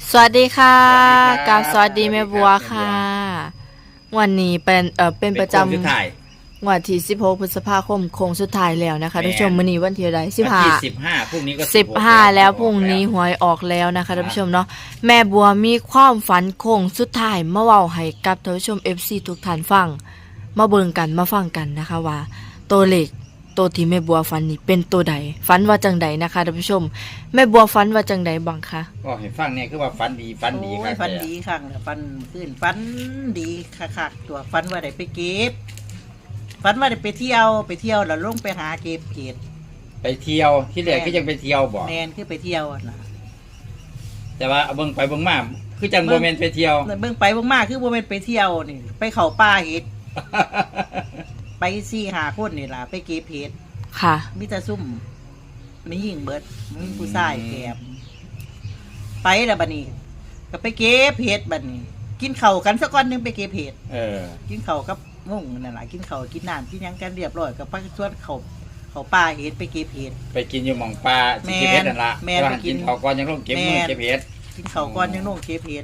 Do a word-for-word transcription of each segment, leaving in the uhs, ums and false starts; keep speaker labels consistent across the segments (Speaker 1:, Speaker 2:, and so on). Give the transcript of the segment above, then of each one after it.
Speaker 1: สวัสดีค่ะกับสวัสดีแม่บัวค่ะ วันนี้เป็นเอ่อเป็นประจำวันที่สิบหกพฤษภาคมโค้งสุดท้ายแล้วนะคะท่านผู้ชมมื้อนี้วันที่ใดสิบห้า
Speaker 2: สิบห้าพรุ่งนี้ก็
Speaker 1: สิบห้าแล้วพรุ่งนี้หวยออกแล้วนะคะท่านผู้ชมเนาะแม่บัวมีความฝันโค้งสุดท้ายมาเว้าให้กับท่านผู้ชม เอฟ ซี ทุกท่านฟังมาเบิ่งกันมาฟังกันนะคะว่าตัวเลขตัวที่แม่บัวฝันนี่เป็นตัวใดฝันว่าจังใดนะคะท่านผู้ชมแม่บัวฝันว่าจังใดบ้างคะ
Speaker 2: ก็ให้ฟังเนี่ยคือว่าฝันดีฝันดีครับ
Speaker 3: ฝันดีค่ะฝันขึ้นฝันดีค่ะๆตัวฝันว่าได้ไปเก็บฝันว่าได้ไปเที่ยวไปเที่ยวแล้วลงไปหาเก็บเกศ
Speaker 2: ไปเที่ยวที่แรกก็ยังไปเที่ยวบ่
Speaker 3: แมนคือไปเที่ยวนะ
Speaker 2: แต่ว่าเบิ่งไปเบิ่งมาคือจังโมเมนต์ไปเที่ยว
Speaker 3: เบิ่งไปเบิ่งมาคือโมเมนต์ไปเที่ยวนี่ไปเข้าป่าเห็ดไปสี่หาคนนี่ล่ะไปเก็บเห็ด
Speaker 1: ค่ะ
Speaker 3: มิตรซุ่มไม่ยิงเบิดมีผู้ชายแกมไปแล้วบัดนี้ก็ไปเก็บเห็ดบัดนี้กินข้าวกันสักก้อนนึงไปเก็บเห็ด
Speaker 2: เออ
Speaker 3: กินข้าวกับงงนั่นแหละกินข้าวกินน้ำกินยังกันเรียบร้อยกับพักชวนเขาเขาป่าเห็ดไปเก็บเห็ด
Speaker 2: ไปกินอยู่หม่องปลาที่เก็บเห็ดนั่นละ
Speaker 3: แม่ไป
Speaker 2: กินข้าวก่อนยังลงเก็บมือเก็บเห็ด
Speaker 3: กินข้าวก่อนยังลงเก็บเห็ด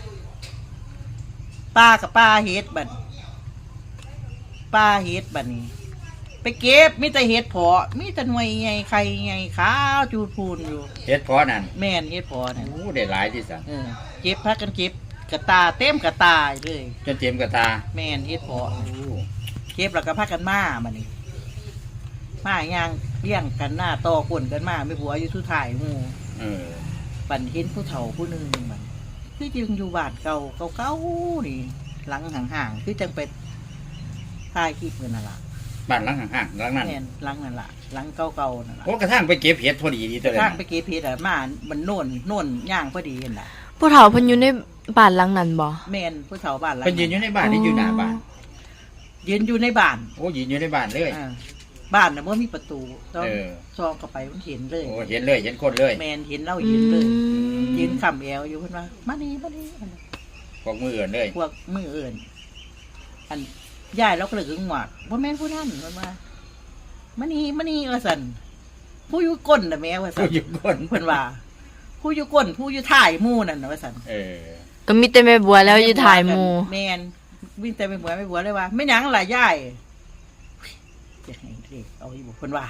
Speaker 3: ป้ากับป้าเห็ดบัดป้าเห็ดบัดนี้ไปเก็บมีแต่เห็ดเพาะมีแต่หน่วยใหญ่ไข่ใหญ่ขาวจูดพูนอยู่
Speaker 2: เห็ดเพาะนั่น
Speaker 3: แม่นเห็ดเพาะนั่น
Speaker 2: โอ้ได้หลายที่สุด
Speaker 3: เออเก็บพักกันเก็บกระตาเต็มกระตาเลย
Speaker 2: จนเต็มกระตา
Speaker 3: แม่นเห็ดเพาะเก็บแล้วก็พักกันมาบัดนี้มาย่างเลี้ยงกันหน้าต่อคนกันมาไม่บัวอยู่ทุถ่ายหมู่
Speaker 2: เออ
Speaker 3: ปั่นเห็นผู้เฒ่าผู้หนึ่งมันคือจึงอยู่บ้านเก่าเก่าๆนี่หลังห่างๆคือจังไปถ่ายคลิปกันนั่นล่ะ
Speaker 2: บ้านหลังห่างๆหลังนั้น
Speaker 3: หลังนั่นล่ะหลังเก่าๆนั่นล่ะ
Speaker 2: โอ้กระทั่งไปเก็บเห็ดพอดีดีตัวเลย
Speaker 3: กระทั่งไปเก็บเห็ดอ่ะมามันโน่นโน่นย่างพอดีเห็นล่ะ
Speaker 1: ผู้เฒ่าเพิ่นอยู่ในบ้านหลังนั้นบ่
Speaker 3: แม่นผู้เฒ่าบ้านหลัง
Speaker 2: เพิ่นยืนอยู่ในบ้านนี่อยู่หน้าบ้าน
Speaker 3: ยืนอยู่ในบ้าน
Speaker 2: โอ้ยืนอยู่ในบ้านเลย
Speaker 3: บ้านน่ะบ่มีประตูต้องซองเข้าไปมันเห็นเลย
Speaker 2: โอ้เห็นเลยเห็นคนเลย
Speaker 3: แม่นเห็นเรายืนเลยยืนค้ำแอวอยู่เพิ่นว่ามานี่มานี่
Speaker 2: พวกมือเอื่นเลย
Speaker 3: พวกมือเอื่นอันยายเราก็เลยหึงหวาดว่าแม่นผู้นั้นมันมามานี่มานี่ว่าซั่นผู้อยู่ก้นน่ะแม่ว่าซั่น
Speaker 2: ผู้อยู่ก้น
Speaker 3: เพิ่นว่าผู้อยู่ก้นผู้อยู่ท้ายหมู่นั่นน่ะว่าซั่น
Speaker 2: เออ
Speaker 1: ก็มีแต่แม่บัวแล้วอยู่ท้ายหมู่
Speaker 3: แม่นมีแต่แม่บัวแม่บัวเลยว่าแม่หยังล่ะยายจะให้เด็กเอาอยู่เพิ่นว่า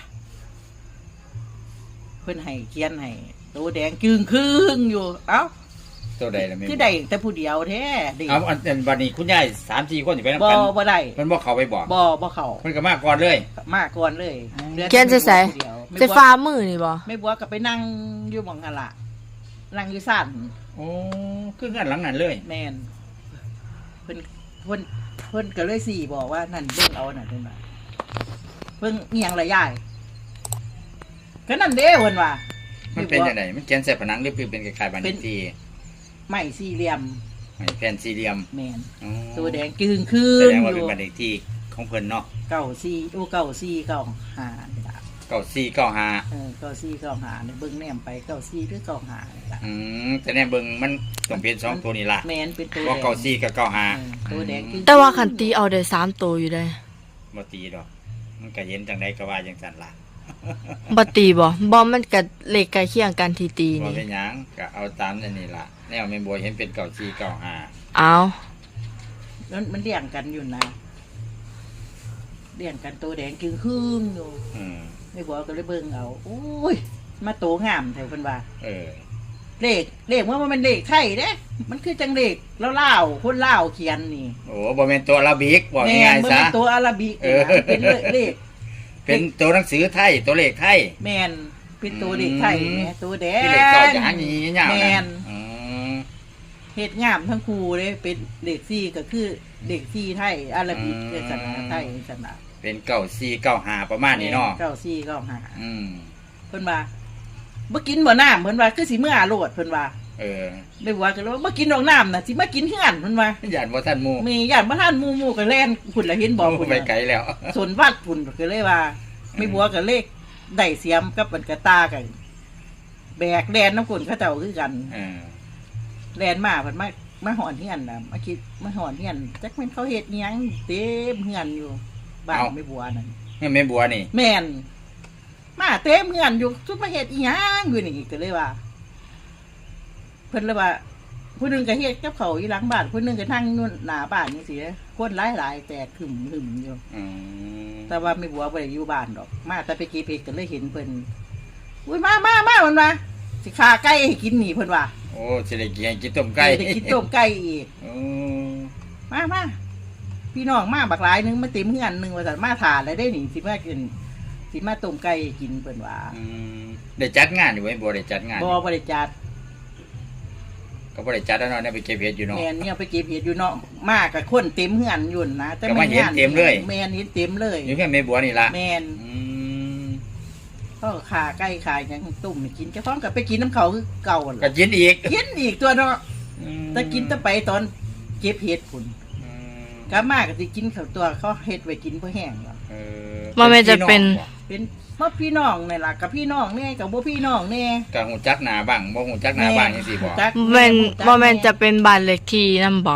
Speaker 3: เพิ่นให้เขียนให้ตัวแดงจึงครึ่งอยู่เอ้า
Speaker 2: ตัวใดล่ะแม่
Speaker 3: คือได้แต่ผู้เดียวแท้
Speaker 2: เอาอันวันนี้คุณยาย สามสี่ คนสิไปนำ
Speaker 3: กั
Speaker 2: น
Speaker 3: บ่บ่ได้
Speaker 2: เพิ่นบ่เข้าไปบ่
Speaker 3: บ่บ่เข้า
Speaker 2: เพิ่นก็มาก่อนเลย
Speaker 3: มาก่อนเลย
Speaker 1: เขียนใส่ๆใส่ฟ้ามือนี่บ่
Speaker 3: แม่บัวก็ไปนั่งอยู่หม่องนั่นล่ะนั่งอยู่ซ่าน
Speaker 2: โอ้คือกันหลังนั้นเลย
Speaker 3: แม่นเพิ่นเพิ่นเพิ่นก็เลยสี่บอกว่านั่นเบิ่งเอาน่ะเพิ่นว่าเพิ่งเอียงละยายก็นั่นเด้เพิ่นว่า
Speaker 2: มันเป็นจังได๋มันเขียนใส่ผนังหรือเป็นคล้ายๆบ้านเลขที่
Speaker 3: ไม้สี่เหลี่ยม
Speaker 2: ไม้แผ่นสี่เหลี่ยม
Speaker 3: แม่นตัวแดงจึงคืน
Speaker 2: แสดงว่าเป็นบ้านเลขที่ของเพิ่นเนาะ
Speaker 3: เก้าสี่โอ้เก้าสี่เก้าห้านี่ล่ะ
Speaker 2: เก้าสี่เก้าห้า
Speaker 3: เออเก้าสี่เก้าห้าเนี่ยเบิ่งแนมไปเก้าสี่หรือเก้าห้านี่ล่ะ
Speaker 2: อืมแต่แนมเบิ่งมันต้องเป็นสองตัวนี่ล่ะ
Speaker 3: แม่นเป็นตัว
Speaker 2: ว่าเก้าสี่กับเก้าห้า
Speaker 3: ตัวแดง
Speaker 1: แต่ว่าคันตีเอาได้สามตัวอยู่ได้
Speaker 2: บ่ตีดอกมันก็เห็นจังได๋ก็ว่าจังซั่นล่ะ
Speaker 1: บ่ตีบ่บ่มันก็เลขใกล้เคียงกันที่ตีนี่
Speaker 2: บ่เป็นหยังก็เอาตามนั่นนี่ล่ะแนวแม่บัวเห็นเป็นเก้าสี่เก้าห้า
Speaker 1: อ้าว
Speaker 3: แล้วมันเรียงกันอยู่นะเรียงกันตัวแดงจึงคืนอยู่อืมแม่บัวก็เลยเบิ่งเอาโอ้ยมาโตงามแถวเพิ่นว่าเออเลขเลขว่ามันเลขไทยเด้มันคือจังเลขลาวๆคนลาวเขียนนี่
Speaker 2: โอ้บ่แม่นตัวอาราบิกบอกง่ายๆซะ
Speaker 3: แม่นบ่แม่นตัวอาราบิกเป็นเลข
Speaker 2: เป็นตัวหนังสือไทยตัวเลขไทย
Speaker 3: แม่นเป็นตัวเลขไทยแม่ตัวแดง
Speaker 2: เลขเก่าอย่างนี้ยาวๆ
Speaker 3: แม่นอือเฮ็ดงามทั้งคู่เด้เป็นเลขสี่ก็คือเลขสี่ไทยอาราบิกศาสนาไทยศาสนา
Speaker 2: เป็นเก้าสี่เก้าห้าประมาณนี้เนาะ
Speaker 3: เก้าสี่เก้าห้าอืมเพิ่นว่าบ่กินบ่น้ำเพิ่นว่าคือสิมื้ออาโลดเพิ่นว่าเออได้ว่าก็เลยบ่กินดอกน้ำน่ะสิมากินคือกันเพิ่นว่า
Speaker 2: ย่านบ่ทันหมู่
Speaker 3: มีย่านบ่ทันหมู่หมู่ก็แล่นพุ่นละเห็นบ่
Speaker 2: พุ่นไปไกลแล้ว
Speaker 3: สนวัดพุ่นก็เลยว่าไม่บัวก็เลขได้เสียมกับมันกระตากันแบกแลนน้ำกลนเขาเจ้าคือกันเออแลนมาเพิ่นมามาหอนเฮียนน่ะมาคิดมาหอนเฮียนจักแม่นเขาเฮ็ดหยังเต็มเฮือนอยู่บ้านไม่บัวนั่น
Speaker 2: นี่แม่บัวนี่
Speaker 3: แม่นมาเต็มเฮือนอยู่ทุกมาเฮ็ดอีหยังอยู่นี่ก็เลยว่าเพิ่นเลยว่าผู้หนึงก็เฮ็ดกับเขาวอยู่หลังบ้านผู้หนึงก็นั่งนู่นหน้าบ้านจังซี่คนหลายๆแตกหึมๆอยู่
Speaker 2: อืม
Speaker 3: แต่ว่าไม่บัวบ่ได้อยู่บ้านดอกมาแต่ไปเก็บเห็ดก็เลยเห็นเพิ่นอุ้ยมามามาเพิ่นว่าสิฆ่าไก่ให้กินนี่เพิ่นว่า
Speaker 2: โอ้สิได้กินกินต้มไก่
Speaker 3: ได้กินต้มไก่อีก
Speaker 2: โอ้
Speaker 3: มามาพี่น้องมาบักหลายนึงมาเต็มเฮือนนึงว่าซั่นมาทานแล้วได้นี่สิมากินสิมาต้มไก่กินเพิ่นว่า
Speaker 2: อืมได้จัดงานอยู่ไว้บ่ได้จัดงาน
Speaker 3: บ่บ่ได้จัด
Speaker 2: ก็บ่ได้จัดแล้วเนาะได้ไปเก็บเห็ดอยู่เนาะ
Speaker 3: แม่นเนี่ยไปเก็บเห็ดอยู่เนาะมากับคนเต็มเฮือนอยู่นะแต่
Speaker 2: ก็มาเห็นเต็มเลย
Speaker 3: แม่นเห็นเต็มเลย
Speaker 2: อยู่แค่แม่บัวนี่ล่ะ
Speaker 3: แม่น
Speaker 2: อืม
Speaker 3: ก็ขาไก่ขาหยังต้มให้กินเจ้าของก็ไปกินน้ำเขาคือเก่า
Speaker 2: ก็
Speaker 3: ล่ะ
Speaker 2: กินอีก
Speaker 3: กินอีกตัวเนาะ
Speaker 2: อืม
Speaker 3: แต่กินแต่ไปตอนเก็บเห็ดพุ่น
Speaker 2: อืม
Speaker 3: กลับมาก็สิกินข้าวตัวเขาเฮ็ดไว้กินเพื่อแห้งหรอก
Speaker 2: เออ
Speaker 1: มันไม่จะเป็น
Speaker 3: เป็นเพราะพี่น้องนี่ล่ะกับพี่น้องแน่กับบ่พี่น้องแน่
Speaker 2: ก็หูจักหน้าบ้างบ่หูจักหน้าบ้างจังซี่บ่
Speaker 3: จัก
Speaker 1: แม่น
Speaker 3: จัก
Speaker 1: บ่แม่นจะเป็นบ้านเลขที่นำบ่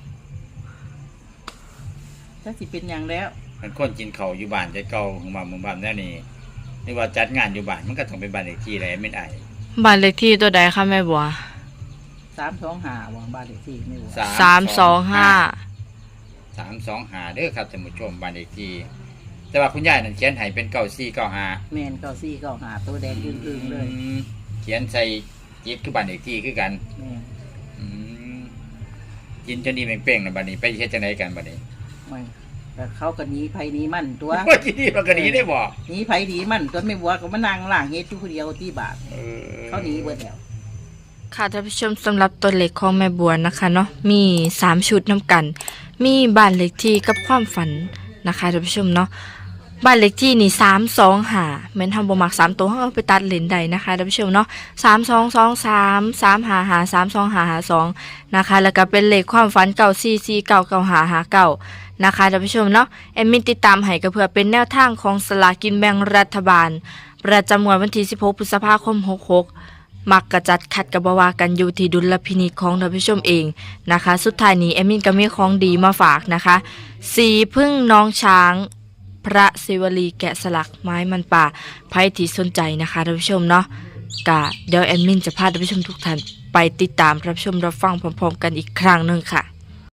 Speaker 3: จักสิเป็นหยังแล้ว
Speaker 2: มันคนกินข้าวอยู่บ้านแต่เก่าของบ้านหมู่บ้านแนวนี้นี่ว่าจัดงานอยู่บ้านมันก็ต้องเป็นบ้านเลขที่แหละแม่นไอ้
Speaker 1: บ้านเลขที่ตัวใดคะแม่บัว
Speaker 3: สามสองห้าว่างบ้านเลขที่ไม่รู้
Speaker 1: สามสองห้า
Speaker 2: สามสองห้าเด้อครับท่านผู้ชมบ้านเลขที่แต่ว่าคุณยายนั่นเขียนให้เป็นเก้าสี่เก้าห้า
Speaker 3: แม่นเก้าสี่เก้าห้าตัวแดงอึ้งๆเลย
Speaker 2: อืมเขียนใส่จิตคือบ้านเลขที่คือกัน
Speaker 3: แม่น
Speaker 2: อืมกินจนนี่เป่งๆนะบัดนี้ไปเฮ็ดจังไดกันบัดนี้
Speaker 3: ไม่แต่เขาก็หนีไผหนีมันตัว
Speaker 2: ว่าที่นี่มันก็หนีได้บ่
Speaker 3: หนีไผหนีมันตัวไม่บัวก็มานั่งล่างเฮ็ดอยู่คนเดียวที่บาท
Speaker 2: เออ
Speaker 3: เขาหนีเบิดแล้ว
Speaker 1: ค่ะท่านผู้ชมสำหรับตัวเลขของแม่บัวนะคะเนาะมีสามชุดนํกัน มีบ้านเลขที่กับความฝันนะคะท่านผู้ชมเนาะบ้านเลขที่นี่สามสองห้าแม่นทำบ่มักสามตัวเฮาเอาไปตัดเลนได้นะคะท่านผู้ชมเนาะสามสองสองสาม สามห้าห้า สามสองห้าห้าสองนะคะแล้วก็เป็นเลขความฝันเก้าสี่สี่ เก้าเก้าห้าห้าเก้านะคะท่านผู้ชมเนาะแอดมินติดตามให้ก็เพื่อเป็นแนวทางของสลากกินแบ่งรัฐบาล ประจำงวดวันที่สิบหกพฤษภาคมหกหกมักกระจัดขัดกับบวากันอยู่ที่ดุลพินิจของท่านผู้ชมเองนะคะ สุดท้ายนี้แอดมินก็มีของดีมาฝากนะคะสีพึ่งน้องช้าง พระศิวลีแกะสลักไม้มันป่าไพ่ที่สนใจนะคะท่านผู้ชมเนาะกะเดี๋ยวแอดมินจะพาท่านผู้ชมทุกท่านไปติดตามรับชมรับฟังพร้อมๆกันอีกครั้งหนึ่งค่ะ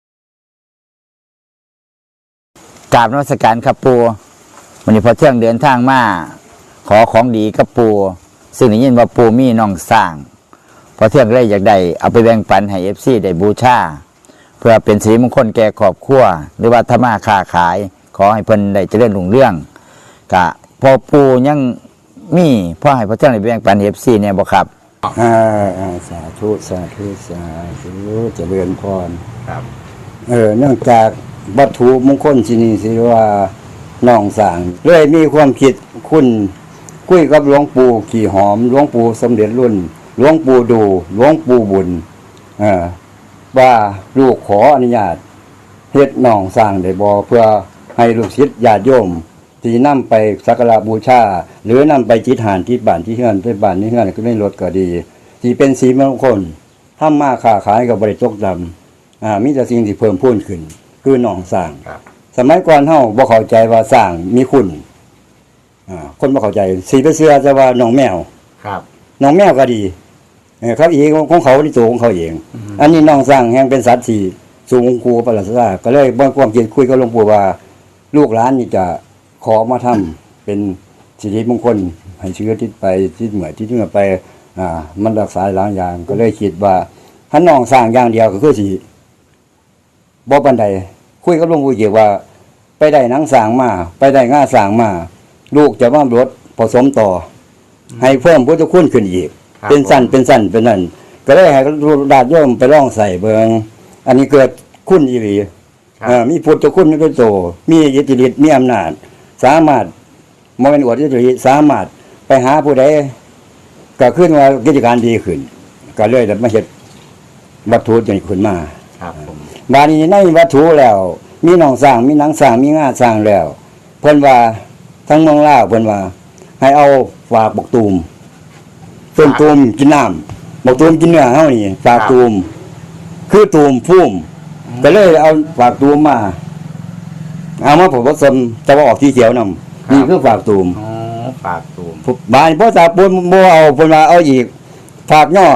Speaker 4: กราบนมัสการครับปูวันนี้พอเที่ยงเดินทางมาขอของดีกับปูซึ่งได้ยินว่าปูมีน้องสร้าง พอเที่ยงเลยอยากได้เอาไปแบ่งปันให้เอฟซีได้บูชาเพื่อเป็นสิริมงคลแก่ครอบครัวหรือว่าธรรมาค้าขายขอให้เพิ่นได้เจริญรุ่งเรืองกะพอปูยังมีพ่อให้พอเที่ยงได้แบ่งปันเอฟซีเนี่ยบ่ครับ
Speaker 5: อ่าอ่าสาธุสาธุสาธุเจริญพร
Speaker 2: ครับ
Speaker 5: เออเนื่องจากวัตถุมงคลที่นี่สิว่าน้องสร้างเลยมีความคิดคุณคุยกับหลวงปู่ขี่หอมหลวงปู่สมเด็จรุ่นหลวงปู่ดูหลวงปู่บุญเออว่าลูกขออนุญาตเฮ็ดน้องสร้างได้บ่เพื่อให้ลูกศิษย์ญาติโยมที่นำไปสักการะบูชาหรือนำไปจิตหานที่บ้านที่เฮือนที่บ้านที่เฮือนก็ได้ลดก็ดีที่เป็นสีมงคลทำมาค้าขายกับบริจกดำอ่ามีแต่สิ่งที่เพิ่มพูนขึ้นคือหนองสร้าง
Speaker 2: ครับ
Speaker 5: สมัยก่อนเฮาบ่เข้าใจว่าสร้างมีคุณอ่าคนบ่เข้าใจสีไปเชื่อจะว่าหนองแมว
Speaker 2: ครับ
Speaker 5: หนองแมวก็ดีเออเขาเองของเขาที่ตัวของเขาเอง อันนี้หนองสร้างแห่งเป็นสัตว์ที่สูงครูประหลาดซ่าก็เลยบ่ความคิดคุยกับหลวงปู่ว่าลูกหลานนี่จะขอมาทำเป็นสิริมงคลให้เชื้อทิศไปทิศเหนือทิศเหนือไปอ่ามันรักษาหลายอย่างก็เลยคิดว่าถ้าน้องสร้างอย่างเดียวก็คือสิบ่ปานใดคุยกับหลวงปู่เกี่ยวว่า ไปได้หนังสร้างมาไปได้ง่าสร้างมาลูกจะมาลดผสมต่อ ให้เพิ่มพุทธคุณขึ้นอีก เป็นสั้นเป็นสั้นเป็นนั่นก็เลยให้ญาติโยมไปลองใส่เบิงอันนี้เกิดคุณอีหลีเอ่อมีพุทธคุณมีเป็นโตมีอิทธิฤทธิ์มีอำนาจ สามารถมองเป็นอวดอิทธิฤทธิ์สามารถไปหาผู้ใดก็ขึ้นว่ากิจการดีขึ้น ก็เลยมาเฮ็ดวัตถุจนขึ้นมา
Speaker 2: ครับผม
Speaker 5: บาดนี้ในวัตถุแล้ว มีหนองสร้างมีหนังสร้างมีง่าสร้างแล้วเพิ่นว่าทั้งเมืองลาวเพิ่นว่า ให้เอาฝากบกตูมต้นตูมกินน้ำบกตูมกินเนื้อเฮานี่ฝากตูมคือตูมพุ่มก็เลยเอาฝากตูมมาเอามาผสมจะว่าออกที่เขียวนำนี่คือฝากตูม
Speaker 2: อ๋อฝากตูม
Speaker 5: บานพ่อตาปูนบ่เอาเพิ่นว่าเอาอีกฝากย่อเ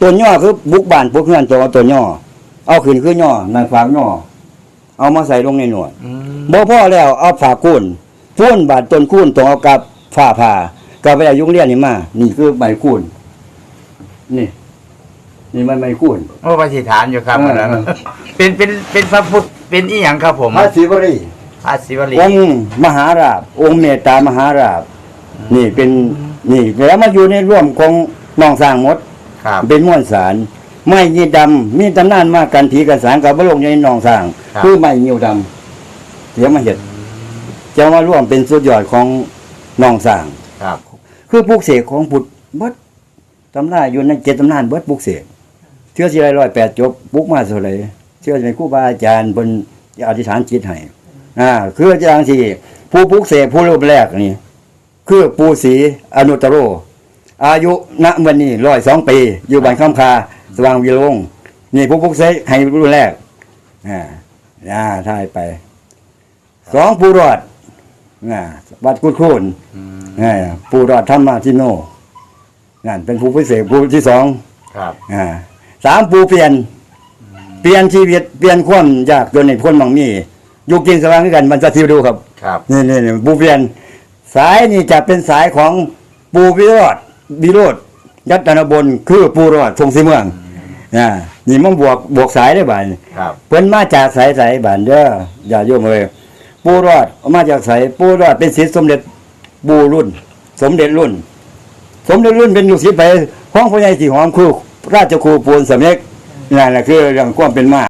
Speaker 5: ตัวย่อคือบุกบ้านพวกเพื่อนตัวเอาตัวย่อเอาขึ้นคือย่อนางฝากย่อเอามาใส่ลงในหนวด
Speaker 4: อืม
Speaker 5: บ่พ่อแล้วเอาฝากุ้นพุ่นบาดต้นกุ้นตรงเอากับฝ้าผ่ากับไปเอายุงเลียนนี่มานี่คือใบกุ้นนี่ นี่มันใบกุ้น
Speaker 4: โอ้ปฏิฐานอยู่ครับ
Speaker 5: เออ
Speaker 4: อันนั้นเป็นเป็นเป็นพระพุทธเป็นอีหยังครับผม
Speaker 5: พระศิวรี
Speaker 4: พระศิวลี
Speaker 5: องค์มหาราชองค์เมตตามหาราชนี่เป็นนี่แล้วมาอยู่ในร่วมของน้องสร้างหมด
Speaker 4: ครับ
Speaker 5: เป็นม้วนสารไม้ยีดำมีตำนานมากกันผีกันสารกับพระลงในหนองสร้าง
Speaker 4: ครับ
Speaker 5: คือไม้ยีดำเดี๋ยวมาเห็ดจะมาร่วมเป็นสุดยอดของหนองสร้าง
Speaker 4: ครับ
Speaker 5: คือปลูกเสกของพุทธเบิดตำนานอยู่ในเจ็ดตำนานเบิดปลูกเสกเชื่อสิไรร้อยแปดจบปลูกมาเท่าไหร่เชื่อในครูบาอาจารย์บนอธิษฐานจิตให้อ่าคืออย่างที่ผู้ปลูกเสกผู้รูปแรกนี่คือปู่ศรีอนุตตโร อายุณวันนี้ร้อยสองปี อยู่บ้านคำคาสว่างวิโรงนี่ผู้ปลุกเสกให้รุ่นแรกอ่าอ่าท่ายไปสองผู้รอดอ่าวัดกุดคูน
Speaker 4: อืม
Speaker 5: อ่าผู้รอดธรรมาทิโนนั่นเป็นผู้พิเศษผู้ที่สอง
Speaker 4: ครับ
Speaker 5: อ่าสามผู้เปลี่ยน เปลี่ยนชีวิตเปลี่ยนความยากจนในพ้นมังมีอยู่กินสว่างด้วยกันมันจะทิวดูครับ
Speaker 4: ครับ
Speaker 5: นี่นี่นี่ปูเปลี่ยนสายนี่จะเป็นสายของปูวิโรธวิโรธยัตนบลคือปูรอดทรงสีเมืองอ่านี่มันบวกบวกสายได้บ่าย
Speaker 4: ครับ
Speaker 5: เพิ่นมาจากสายสายบ้านเด้ออย่าโยมเลยปูรอดมาจากสายปูรอดเป็นศิษย์สมเด็จปูรุ่น สมเด็จรุ่น สมเด็จรุ่นเป็นลูกศิษย์ไปของพ่อใหญ่สีหอมคือราชครูปูนสำเร็จนั่นแหละคือเรื่องความเป็นมา